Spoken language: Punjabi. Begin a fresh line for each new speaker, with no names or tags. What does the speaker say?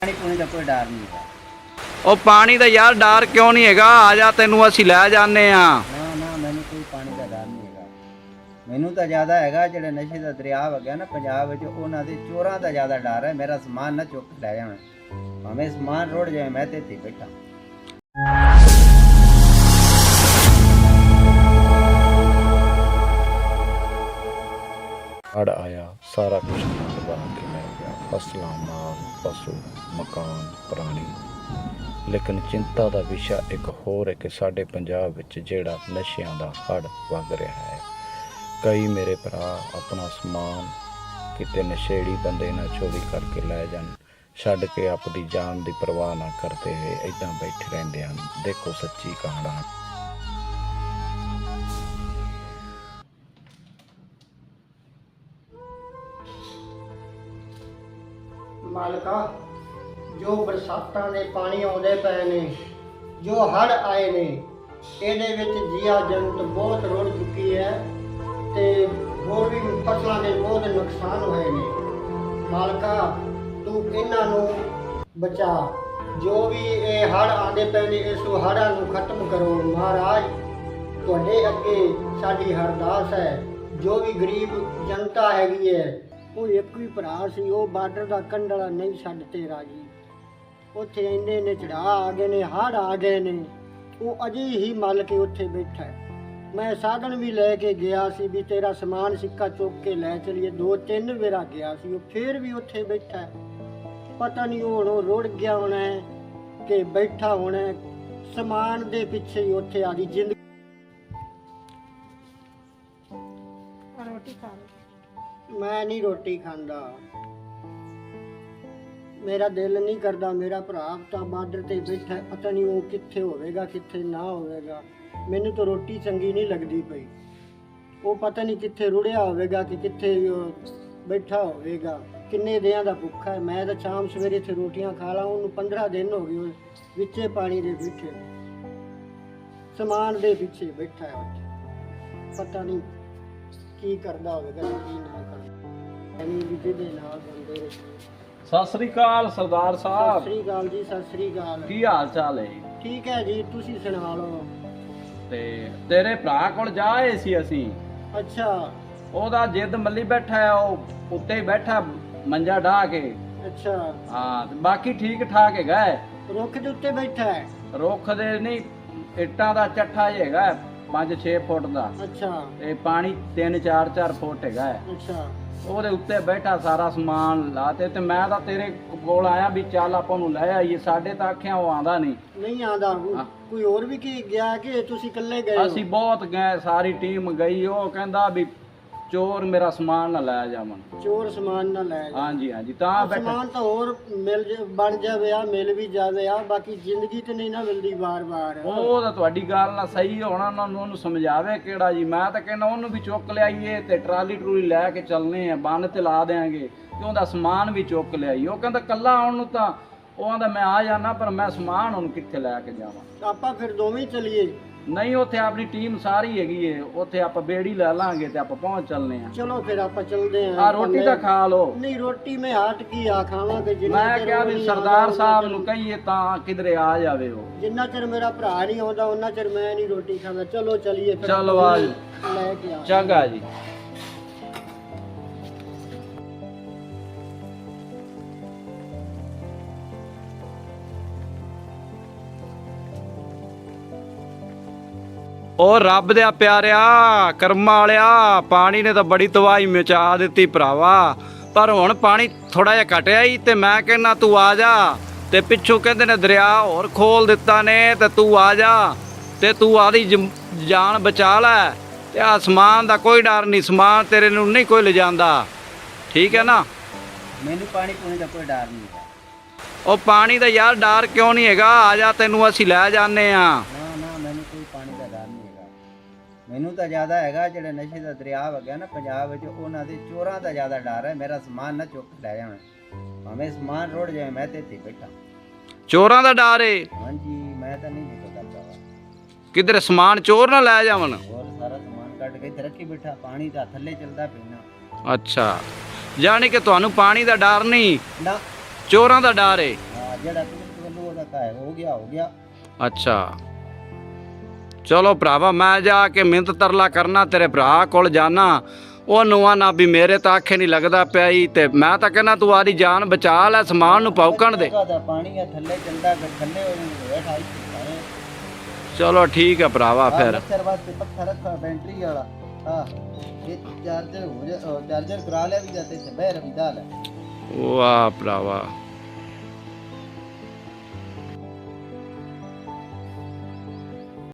ਪਾਣੀ ਪੂਣੀ ਦਾ ਕੋਈ ਡਰ ਨਹੀਂ ਹੈਗਾ।
ਉਹ ਪਾਣੀ ਦਾ ਯਾਰ ਡਰ ਕਿਉਂ ਨਹੀਂ ਹੈਗਾ? ਆ ਜਾ, ਤੈਨੂੰ ਅਸੀਂ ਲੈ ਜਾਂਦੇ ਆ।
ਨਾ ਨਾ, ਮੈਨੂੰ ਕੋਈ ਪਾਣੀ ਦਾ ਡਰ ਨਹੀਂ ਹੈਗਾ। ਮੈਨੂੰ ਤਾਂ ਜ਼ਿਆਦਾ ਹੈਗਾ ਜਿਹੜੇ ਨਸ਼ੇ ਦਾ ਦਰਿਆ ਵਗਿਆ ਨਾ ਪੰਜਾਬ ਵਿੱਚ, ਉਹਨਾਂ ਦੇ ਚੋਰਾਂ ਦਾ ਜ਼ਿਆਦਾ ਡਰ ਹੈ। ਮੇਰਾ ਸਮਾਨ ਨਾ ਚੁੱਕ ਲੈ ਜਾਣ, ਭਾਵੇਂ ਸਮਾਨ ਰੁੜ ਜਾਏ, ਮੈਂ ਤੇ ਇੱਥੇ ਬੈਠਾ।
ਹੜ ਆਇਆ, ਸਾਰਾ ਕੁਝ ਤਬਾਹ ਕੇ ਲੈ ਗਿਆ, ਫਸਲਾਂ, ਮਾਲ, ਪਸ਼ੂ, ਮਕਾਨ, ਪ੍ਰਾਣੀ। ਲੇਕਿਨ ਚਿੰਤਾ ਦਾ ਵਿਸ਼ਾ ਇੱਕ ਹੋਰ ਹੈ ਕਿ ਸਾਡੇ ਪੰਜਾਬ ਵਿੱਚ ਜਿਹੜਾ ਨਸ਼ਿਆਂ ਦਾ ਹੜ ਵਗ ਰਿਹਾ ਹੈ। ਕਈ ਮੇਰੇ ਭਰਾ ਆਪਣਾ ਸਮਾਨ ਕਿਤੇ ਨਸ਼ੇੜੀ ਬੰਦੇ ਨਾਲ ਚੋਰੀ ਕਰਕੇ ਲੈ ਜਾਣ, ਛੱਡ ਕੇ ਆਪਣੀ ਜਾਨ ਦੀ ਪਰਵਾਹ ਨਾ ਕਰਦੇ ਹੋਏ ਇੱਦਾਂ ਬੈਠੇ ਰਹਿੰਦੇ ਹਨ। ਦੇਖੋ ਸੱਚੀ ਕਹਾਣੀ।
ਮਾਲਕਾ, ਜੋ ਬਰਸਾਤਾਂ ਦੇ ਪਾਣੀ ਆਉਂਦੇ ਪਏ ਨੇ, ਜੋ ਹੜ੍ਹ ਆਏ ਨੇ, ਇਹਦੇ ਵਿੱਚ ਜੀਆ ਜੰਤ ਬਹੁਤ ਰੁੜ ਚੁੱਕੀ ਹੈ ਤੇ ਹੋਰ ਵੀ ਫਸਲਾਂ ਦੇ ਬਹੁਤ ਨੁਕਸਾਨ ਹੋਏ ਨੇ। ਮਾਲਕਾ, ਤੂੰ ਇਹਨਾਂ ਨੂੰ ਬਚਾ। ਜੋ ਵੀ ਇਹ ਹੜ੍ਹ ਆਉਂਦੇ ਪਏ ਨੇ, ਇਸ ਹੜ੍ਹਾਂ ਨੂੰ ਖਤਮ ਕਰੋ। ਮਹਾਰਾਜ, ਤੁਹਾਡੇ ਅੱਗੇ ਸਾਡੀ ਅਰਦਾਸ ਹੈ। ਜੋ ਵੀ ਗਰੀਬ ਜਨਤਾ ਹੈਗੀ ਹੈ, ਉਹ ਇੱਕ ਵੀ ਭਰਾ ਸੀ, ਉਹ ਬਾਰਡਰ ਦਾ ਕੰਢਲਾ ਨਹੀਂ ਛੱਡ ਤੇ ਰਾਜੀ। ਉੱਥੇ ਇੰਨੇ ਨੇ ਚੜਾ ਆ ਗਏ ਨੇ, ਹੜ੍ਹ ਆ ਗਏ ਨੇ, ਉਹ ਅਜੇ ਹੀ ਮੱਲ ਕੇ ਉੱਥੇ ਬੈਠਾ ਹੈ। ਮੈਂ ਸਾਧਨ ਵੀ ਲੈ ਕੇ ਗਿਆ ਸੀ ਵੀ ਤੇਰਾ ਸਮਾਨ ਸਿੱਕਾ ਚੁੱਕ ਕੇ ਲੈ ਚਲੀਏ, 2-3 ਵੇਰਾ ਗਿਆ ਸੀ, ਉਹ ਫੇਰ ਵੀ ਉੱਥੇ ਬੈਠਾ ਹੈ। ਪਤਾ ਨਹੀਂ ਹੁਣ ਉਹ ਰੁੜ ਗਿਆ ਹੋਣਾ ਹੈ ਕਿ ਬੈਠਾ ਹੋਣਾ ਹੈ, ਸਮਾਨ ਦੇ ਪਿੱਛੇ ਹੀ ਉੱਥੇ ਆ ਗਈ ਜ਼ਿੰਦਗੀ।
ਰੋਟੀ ਖਾ ਲਓ।
ਮੈਂ ਨਹੀਂ ਰੋਟੀ ਖਾਂਦਾ, ਮੇਰਾ ਦਿਲ ਨਹੀਂ ਕਰਦਾ। ਮੇਰਾ ਭਰਾ ਤਾਂ ਬਾਰਡਰ ਤੇ ਬੈਠਾ ਹੈ, ਪਤਾ ਨਹੀਂ ਉਹ ਕਿੱਥੇ ਹੋਵੇਗਾ ਕਿੱਥੇ ਨਾ ਹੋਵੇਗਾ। ਮੈਨੂੰ ਤਾਂ ਰੋਟੀ ਚੰਗੀ ਨਹੀਂ ਲੱਗਦੀ ਪਈ। ਉਹ ਪਤਾ ਨਹੀਂ ਕਿੱਥੇ ਰੁੜਿਆ ਹੋਵੇਗਾ ਕਿ ਕਿੱਥੇ ਬੈਠਾ ਹੋਵੇਗਾ। ਕਿੰਨੇ ਦਿਨਾਂ ਦਾ ਭੁੱਖਾ ਹੈ। ਮੈਂ ਤਾਂ ਸ਼ਾਮ ਸਵੇਰੇ ਇੱਥੇ ਰੋਟੀਆਂ ਖਾ ਲਾਂ, ਉਹਨੂੰ 15 ਦਿਨ ਹੋ ਗਏ ਵਿੱਚੇ ਪਾਣੀ ਦੇ ਬੈਠੇ, ਸਮਾਨ ਦੇ ਪਿੱਛੇ ਬੈਠਾ ਹੈ ਉੱਥੇ। ਪਤਾ ਨਹੀਂ ਕੀ ਕਰਦਾ ਹੋਵੇਗਾ ਕੀ ਨਾ ਕਰਦਾ। ਐਵੇਂ ਵੀ ਜਿਹਦੇ ਨਾਲ ਬੰਦੇ।
ਸਤਿ ਸ੍ਰੀ ਅਕਾਲ ਸਰਦਾਰ
ਸਤਿ
ਸਾਹਿਬ,
ਸ੍ਰੀ ਅਕਾਲ ਜੀ। ਸਤਿ ਸ੍ਰੀ ਅਕਾਲ।
ਕੀ ਹਾਲ ਚਾਲ ਹੈ?
ਠੀਕ ਹੈ ਜੀ, ਤੁਸੀਂ ਸੁਣਾ ਲਓ।
ਤੇ ਤੇਰੇ ਭਰਾ ਕੋਲ ਜਾਏ ਸੀ ਅਸੀਂ,
ਅੱਛਾ
ਉਹਦਾ ਜਿੱਦ ਮੱਲੀ ਬੈਠਾ ਹੈ, ਉਹ ਉੱਤੇ ਹੀ ਬੈਠਾ ਮੰਜਾ ਢਾ ਕੇ।
ਅੱਛਾ,
ਹਾਂ, ਤੇ ਬਾਕੀ ਠੀਕ ਠਾਕ ਹੈਗਾ ਹੈ।
ਰੁੱਖ ਦੇ ਉੱਤੇ ਬੈਠਾ ਹੈ।
ਰੁੱਖ ਦੇ ਨਹੀਂ, ਇੱਟਾਂ ਦਾ ਚੱਠਾ ਹੀ ਹੈਗਾ 5-6 ਫੁੱਟ ਦਾ,
ਅੱਛਾ
ਤੇ ਪਾਣੀ 3-4 ਫੁੱਟ ਹੈਗਾ ਹੈ।
ਅੱਛਾ,
ਉਹਦੇ ਉੱਤੇ ਬੈਠਾ, ਸਾਰਾ ਸਮਾਨ ਲਾਤੇ। ਤੇ ਮੈਂ ਤਾਂ ਤੇਰੇ ਕੋਲ ਆਇਆ ਵੀ ਚੱਲ ਆਪਾਂ ਨੂੰ ਲੈ ਆਈਏ। ਸਾਡੇ ਤਾਂ ਆਖਿਆ ਉਹ ਆਂਦਾ ਨਹੀਂ।
ਨਹੀਂ ਆਂਦਾ। ਕੋਈ ਹੋਰ ਵੀ ਕੀ ਗਿਆ ਕਿ ਤੁਸੀਂ ਇਕੱਲੇ ਗਏ ਹੋ?
ਅਸੀਂ ਬਹੁਤ ਗਏ, ਸਾਰੀ ਟੀਮ ਗਈ। ਉਹ ਕਹਿੰਦਾ ਵੀ ਚੋਰ ਮੇਰਾ ਸਮਾਨ ਨਾ ਲੈ ਜਾਵਣ।
ਚੋਰ ਸਮਾਨ ਨਾ ਲੈ ਜਾ।
ਹਾਂਜੀ ਹਾਂਜੀ, ਤਾਂ ਬੈਠਾ।
ਸਮਾਨ ਤਾਂ ਹੋਰ ਬਣ ਜਾਵੇ ਆ, ਮਿਲ ਵੀ ਜਾਵੇ ਆ, ਬਾਕੀ ਜ਼ਿੰਦਗੀ ਤੇ ਨਹੀਂ ਨਾ ਮਿਲਦੀ ਵਾਰ-ਵਾਰ।
ਉਹ ਤਾਂ ਤੁਹਾਡੀ ਗੱਲ ਨਾਲ ਸਹੀ ਹੋਣਾ, ਉਹਨੂੰ ਸਮਝਾਵੇ ਕਿਹੜਾ ਜੀ। ਮੈਂ ਤਾਂ ਕਹਿੰਦਾ ਉਹਨੂੰ ਵੀ ਚੁੱਕ ਲਿਆਈਏ ਤੇ ਟਰਾਲੀ ਟਰੂਲੀ ਲੈ ਕੇ ਚੱਲਨੇ ਆ, ਬੰਨ ਤੇ ਲਾ ਦੇਾਂਗੇ ਤੇ ਉਹਦਾ ਸਮਾਨ ਵੀ ਚੁੱਕ ਲਿਆਈਏ। ਉਹ ਕਹਿੰਦਾ ਕੱਲਾ ਆਉਣ ਨੂੰ ਤਾਂ ਉਹ ਆਂਦਾ ਮੈਂ ਆ ਜਾਣਾ, ਪਰ ਮੈਂ ਸਮਾਨ ਹੁਣ ਕਿੱਥੇ ਲੈ ਕੇ ਜਾਵਾਂ।
ਆਪਾਂ ਫਿਰ ਦੋਵੇਂ ਚੱਲੀਏ।
ਨਹੀਂ, ਉੱਥੇ ਆਪਣੀ ਟੀਮ ਸਾਰੀ ਹੈਗੀ ਏ, ਉੱਥੇ ਆਪਾਂ ਬੇੜੀ ਲੈ ਲਾਂਗੇ ਤੇ ਆਪਾਂ ਪਹੁੰਚ ਚੱਲਨੇ ਆ।
ਚਲੋ ਫਿਰ ਆਪਾਂ ਚੱਲਦੇ ਆਂ।
ਆ ਰੋਟੀ ਤਾਂ ਖਾ ਲਓ।
ਨਹੀਂ, ਰੋਟੀ ਮੈਂ ਹਟ ਕੀ ਆ ਖਾਵਾਂਗੇ।
ਮੈਂ ਕਿਹਾ ਵੀ ਸਰਦਾਰ ਸਾਹਿਬ ਨੂੰ ਕਹੀਏ ਤਾਂ ਕਿਧਰੇ ਆ ਜਾਵੇ ਉਹ।
ਜਿੰਨਾ ਚਿਰ ਮੇਰਾ ਭਰਾ ਨਹੀਂ ਆਉਂਦਾ ਉਹਨਾਂ ਚਿਰ ਮੈਂ ਨਹੀਂ ਰੋਟੀ ਖਾਂਦਾ। ਚਲੋ ਚਲੀਏ ਫਿਰ।
ਚਲੋ ਆ ਜੀ,
ਲੈ ਕੇ ਆ।
ਚੰਗਾ ਜੀ। ਉਹ ਰੱਬ ਦੇ ਪਿਆਰਿਆ, ਕਰਮਾਂ ਵਾਲਿਆ, ਪਾਣੀ ਨੇ ਤਾਂ ਬੜੀ ਤਬਾਹੀ ਮਚਾ ਦਿੱਤੀ ਭਰਾਵਾ। ਪਰ ਹੁਣ ਪਾਣੀ ਥੋੜਾ ਜਿਹਾ ਘਟਿਆ ਹੀ, ਤੇ ਮੈਂ ਕਹਿੰਦਾ ਤੂੰ ਆ ਜਾ। ਤੇ ਪਿੱਛੋਂ ਕਹਿੰਦੇ ਨੇ ਦਰਿਆ ਹੋਰ ਖੋਲ ਦਿੱਤਾ ਨੇ, ਤੇ ਤੂੰ ਆ ਜਾ ਤੇ ਤੂੰ ਆਦੀ ਜਾਨ ਬਚਾ ਲੈ। ਤੇ ਆਸਮਾਨ ਦਾ ਕੋਈ ਡਰ ਨਹੀਂ, ਸਮਾਨ ਤੇਰੇ ਨੂੰ ਨਹੀਂ ਕੋਈ ਲਿਜਾਂਦਾ, ਠੀਕ ਹੈ ਨਾ?
ਮੈਨੂੰ ਪਾਣੀ ਪੂਣੀ ਦਾ ਕੋਈ ਡਰ ਨਹੀਂ ਹੈਗਾ।
ਉਹ ਪਾਣੀ ਦਾ ਯਾਰ ਡਰ ਕਿਉਂ ਨਹੀਂ ਹੈਗਾ? ਆ ਜਾ, ਤੈਨੂੰ ਅਸੀਂ ਲੈ ਜਾਂਦੇ ਆ।
ਨਾ ਨਾ, ਮੈਨੂੰ ਕੋਈ ਪਾਣੀ ਦਾ ਡਰ ਨਹੀਂ ਹੈਗਾ। ਮੈਨੂੰ ਤਾਂ ਜ਼ਿਆਦਾ ਹੈਗਾ ਜਿਹੜੇ ਨਸ਼ੇ ਦਾ ਦਰਿਆ ਵਗਿਆ ਨਾ ਪੰਜਾਬ ਵਿੱਚ, ਉਹਨਾਂ ਦੇ ਚੋਰਾਂ ਦਾ ਜ਼ਿਆਦਾ ਡਰ ਹੈ। ਮੇਰਾ ਸਮਾਨ ਨਾ ਚੁੱਕ ਲੈ ਜਾਣ, ਭਾਵੇਂ ਸਮਾਨ ਰੁੜ ਜਾਏ, ਮੈਂ ਤੇ ਇੱਥੇ ਬੈਠਾ।
ਚੋਰਾਂ ਦਾ ਡਰ ਏ?
ਹਾਂਜੀ, ਮੈਂ ਤਾਂ ਨਹੀਂ ਨਿਕਲ ਕਰਦਾ।
ਕਿਧਰੇ ਸਮਾਨ ਚੋਰ ਨਾ ਲੈ ਜਾਵਣ।
ਹੋਰ ਸਾਰਾ ਸਮਾਨ ਕੱਢ ਕੇ ਇੱਥੇ ਰੱਖੀ ਬੈਠਾ, ਪਾਣੀ ਤਾਂ ਥੱਲੇ ਚੱਲਦਾ ਪੀਣਾ।
ਅੱਛਾ, ਯਾਨੀ ਕਿ ਤੁਹਾਨੂੰ ਪਾਣੀ ਦਾ ਡਰ ਨਹੀਂ,
ਨਾ,
ਚੋਰਾਂ ਦਾ ਡਰ ਏ।
ਜਿਹੜਾ ਕੁਦਰਤ ਵੱਲੋਂ ਉਹਦਾ ਕਾਇ ਹੋ ਗਿਆ
ਅੱਛਾ ਚਲੋ ਭਰਾਵਾ ਮੈਂ ਜਾ ਕੇ ਮਿਹਨਤ ਤਰਲਾ ਕਰਨਾ ਤੇਰੇ ਭਰਾ ਕੋਲ ਜਾਣਾ ਉਹਨੂੰ ਆਣਾ ਵੀ ਮੇਰੇ ਤਾਂ ਆਖੇ ਨਹੀਂ ਲੱਗਦਾ ਪਿਆ ਈ ਤੇ ਮੈਂ ਤਾਂ ਕਹਿੰਦਾ ਤੂੰ ਆਦੀ ਜਾਨ ਬਚਾ ਲੈ ਸਮਾਨ ਨੂੰ ਪੌਕਣ ਦੇ
ਦਾ ਪਾਣੀ ਆ ਥੱਲੇ ਚੰਦਾ ਥੱਲੇ ਹੋ ਹੇਠ ਆਈ
ਚਲੋ ਠੀਕ ਹੈ ਭਰਾਵਾ ਫਿਰ
ਮੱਛਰ ਵਾਸਤੇ ਪੱਖਾ ਰੱਖਾ ਬੈਟਰੀ ਵਾਲਾ ਹਾਂ ਇਹ ਚਾਰਜਰ ਹੋ ਜਾ ਚਾਰਜਰ ਕਰਾ ਲਿਆ ਵੀ ਜਾਂਦੇ ਤੇ ਬਹਿ ਰਵੀ ਦਾ ਲੈ
ਵਾਹ ਭਰਾਵਾ